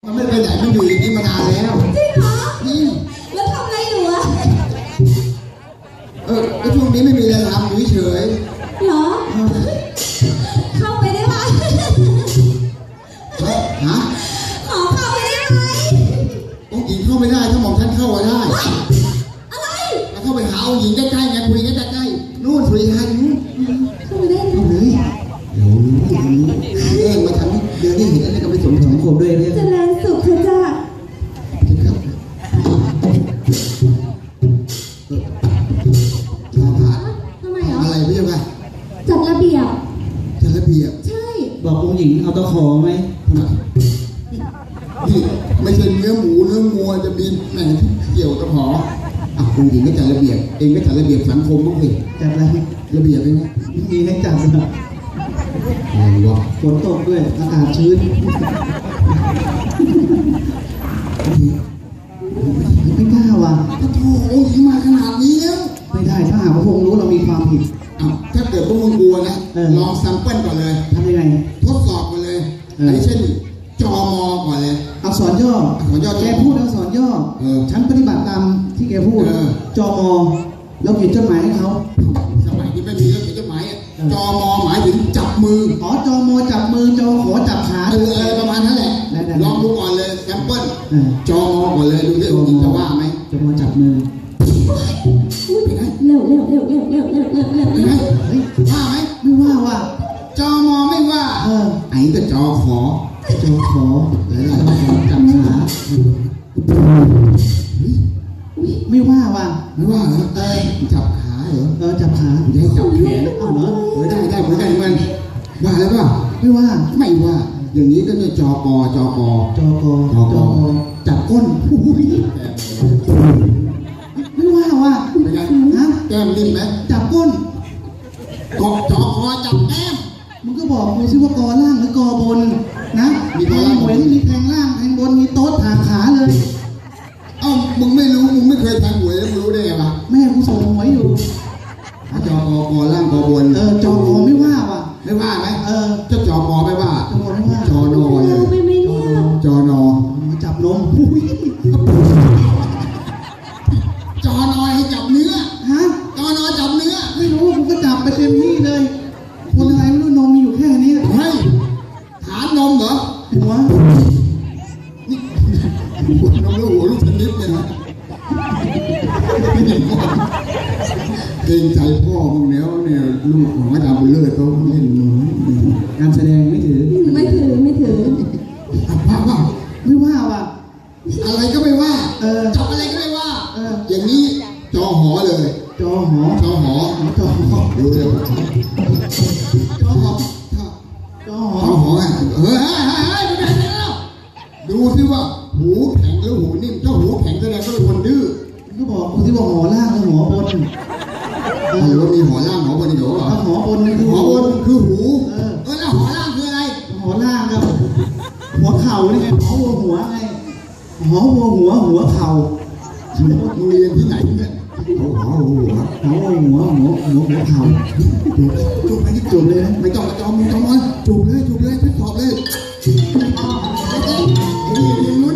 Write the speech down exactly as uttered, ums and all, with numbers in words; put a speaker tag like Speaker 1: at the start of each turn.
Speaker 1: มันไม่ไปไหนมันอยู่อย่างนี้มานานแล้ว
Speaker 2: จริงเหรอ
Speaker 1: นี่
Speaker 2: แล้วทำอะไรอยู่อะ
Speaker 1: เออแล้วช่วงนี้ไม่มีอะไรทำอยู่เฉย
Speaker 2: เหรอ เข้าไปได้ไหม
Speaker 1: ฮะ
Speaker 2: ขอเข้าไปได้ไหม
Speaker 1: องค์หญิงเข้าไม่ได้ถ้าหม่อมฉันเข้ามาได้
Speaker 2: อะไร
Speaker 1: แล้วเข้าไปหาองค์หญิงใกล้ๆไงคุยกันใกล้ๆนู่นสุริยันนู่น
Speaker 2: เข้าไปได้ไหม
Speaker 1: เอาเลยเดี๋ยวรู้เดี๋ยวรู้เองมาทำให้เดี๋ยวนี้เห็นอะไรก็ไปสมสังคมด้วยเนี่ย
Speaker 2: เจริญสุขเถอะจ้า
Speaker 1: ครับชาวบ้าน
Speaker 2: ทำไมเหรอ
Speaker 1: อะไรพี่เจ้าค่ะ
Speaker 2: จัดระเบียบ
Speaker 1: จัดระเบียบ
Speaker 2: ใช่
Speaker 3: บอกองค์หญิงเอาตะขอไหม
Speaker 1: ทำไมนี่ไม่ใช่เนื้อหมูเนื้องัวจะมีแหน่งที่เกี่ยวกับหออ่ะองค์หญิงก็จัดระเบียบเองก็จัดระเบียบสังคมบ้างสิ
Speaker 3: จัดอะไร
Speaker 1: ระเบียบเองนะ
Speaker 3: มีให้จัดนะ
Speaker 1: อะไรวะ
Speaker 3: ฝนตกด้วยอากาศชื้นไม่กล้าว่ะ
Speaker 1: พระโถองค์หญิงมาขนาดนี้แล้ว
Speaker 3: ไม่ได้ถ้าหากว่าพระองค์รู้เรามีความผิด
Speaker 1: อ้าวถ้าเกิดพวกมึงกลัวนะ
Speaker 3: เออ
Speaker 1: ลองซัมเปิลก่อนเลย
Speaker 3: ทำยังไง
Speaker 1: ทดสอบก่อนเลย
Speaker 3: เอออั
Speaker 1: อันนี้เช่นจอมอก่อนเลย
Speaker 3: อักษรย่อ
Speaker 1: อักษรย่อ
Speaker 3: แกพูดอักษรย่อ
Speaker 1: เออ
Speaker 3: ฉันปฏิบัติตามที่แกพูด
Speaker 1: เออ
Speaker 3: จอมอแล้วเขียนจดหมายให้เขา
Speaker 1: สมัยนี้ไม่มีเรื่องเขียนจดหมายอะ
Speaker 3: เออ
Speaker 1: จอมอหมายถึงจับมือ
Speaker 3: อ๋อจอมอจับมือจอขอจับขา
Speaker 1: เออเออประมาณนั้นแหละ
Speaker 3: ได้ได้
Speaker 1: ลองดูก่อนเลยแซมเปิล
Speaker 3: เออ
Speaker 1: จอมอก่อนเลยดูที่องค์หญิงจะว่าไหม
Speaker 3: จอมอจับมือ
Speaker 2: อุ้ยเร็วเร็วเร็วเร็วเร็วเร็วเร็วเร็ว
Speaker 1: เห็นไหม
Speaker 3: เฮ้ย
Speaker 1: ว่าไหม
Speaker 3: ไม่ว่าว่ะ
Speaker 1: จอมอไม่ว่า
Speaker 3: เออ
Speaker 1: ไอ้ก็จอขอ
Speaker 3: จอขอ
Speaker 1: เออ
Speaker 3: จอขอจับขาไม่ว่าว่ะ
Speaker 1: ไม่ว่าเหรอ
Speaker 3: เออ
Speaker 1: จับขาเหรอ
Speaker 3: เออจับขา
Speaker 1: จะให้จับแขน
Speaker 3: เอาเหรอ
Speaker 1: เออได้ได้เหมือนกันเหมือนกันว่าแล้วเปล่า
Speaker 3: ไม่ว่า
Speaker 1: ไม่ว่า อย่างนี้ก็จะจอกอจอกอ
Speaker 3: จอกอ
Speaker 1: จอกอ
Speaker 3: จับก้นอุ้ยไม่ว่าว่ะ
Speaker 1: เป็นไง
Speaker 3: ฮะ
Speaker 1: แก้มนิ่มไหม
Speaker 3: จับก้น
Speaker 1: กอจอคอจับแก้ม
Speaker 3: มึงก็บอกเลยสิว่ากอล่างหรือกอบนนะ
Speaker 1: มี
Speaker 3: แท
Speaker 1: กอง ล่าง
Speaker 3: หวยที่มีแทงล่างแทงบนมีโต๊ะถากขาเลย
Speaker 1: เอ้ามึงไม่รู้มึงไม่เคยแทงหวยแล้วมึงรู้ได้ไงวะ
Speaker 3: แม่กูส่งหวยอยู่
Speaker 1: จอกอกอล่างกอบน
Speaker 3: เออจอกอไม่ว่าว่ะ
Speaker 1: ไม่ว่าไหม
Speaker 3: เออ
Speaker 1: เจ้าจอกอไม่ว่า
Speaker 3: จอกอไม่ว่า
Speaker 1: จอนอเล
Speaker 2: เร็วย ไปไหมเนี่ย
Speaker 1: จอนอ
Speaker 3: มาจับนมอุ้ย
Speaker 1: จอนอให้จับเนื้อ
Speaker 3: ฮะ
Speaker 1: จอนอจับเนื้อ
Speaker 3: ไม่รู้กูก็จับไปเต็มที่เลย คนอะไรไม่รู้นมมีอยู่แค่นี้
Speaker 1: เฮ้ยฐานนมเหรอ
Speaker 3: หัว
Speaker 1: นี่หัวนมแล้วหัวลูกชนิดเนี่ยนะเกรงใจพ่อมึงแล้วเนี่ยลูกของอาจารย์บุญเลิศเขาเล่นมือ
Speaker 3: การแสดงไม่ถือ
Speaker 2: ไม่ถือไม่ถือ
Speaker 1: ว่าว่า
Speaker 3: ไม่ว่าว่ะ
Speaker 1: อะไรก็ไม่ว่า
Speaker 3: เออ
Speaker 1: จับอะไรก็ไม่ว่า
Speaker 3: เออ
Speaker 1: อย่างนี้จอหอเลย
Speaker 3: จอหอ
Speaker 1: จอหอ
Speaker 3: จอหอ
Speaker 1: ดูเลยจอหอ
Speaker 3: จอห
Speaker 1: จ
Speaker 3: อ
Speaker 1: อหอไงเฮ้ยเฮ้ยเฮ้ยเฮ้ยไปไหนแล้วดูสิว่าหูแข็งหรือหูนิ่มเจ้าหูแข็งแสดงว่าเป็นคนดื้อ
Speaker 3: ก็บอกกูที่ว่าหอล่างหรือหอบน
Speaker 1: หรือว่ามีหอล่างหอบนอีกเหรอ
Speaker 3: ถ้าหอบนนี่คือ
Speaker 1: หอบนคือหู
Speaker 3: เออ
Speaker 1: เออแล้วหอล่างคืออะไร
Speaker 3: หอล่างกับหัวเข่านี่ไงหอหัวหัวไงหอหัวหัวหัวเข่า
Speaker 1: มึงเรียนที่ไหนเนี่ยเขาหอหัว
Speaker 3: หอหัวหัวหัวหัวเข่า
Speaker 1: จูบไปที่จูบเลยนะไม่ต้องมาจอมมึงจอมมันจูบเลยจูบเลยทดสอบเลย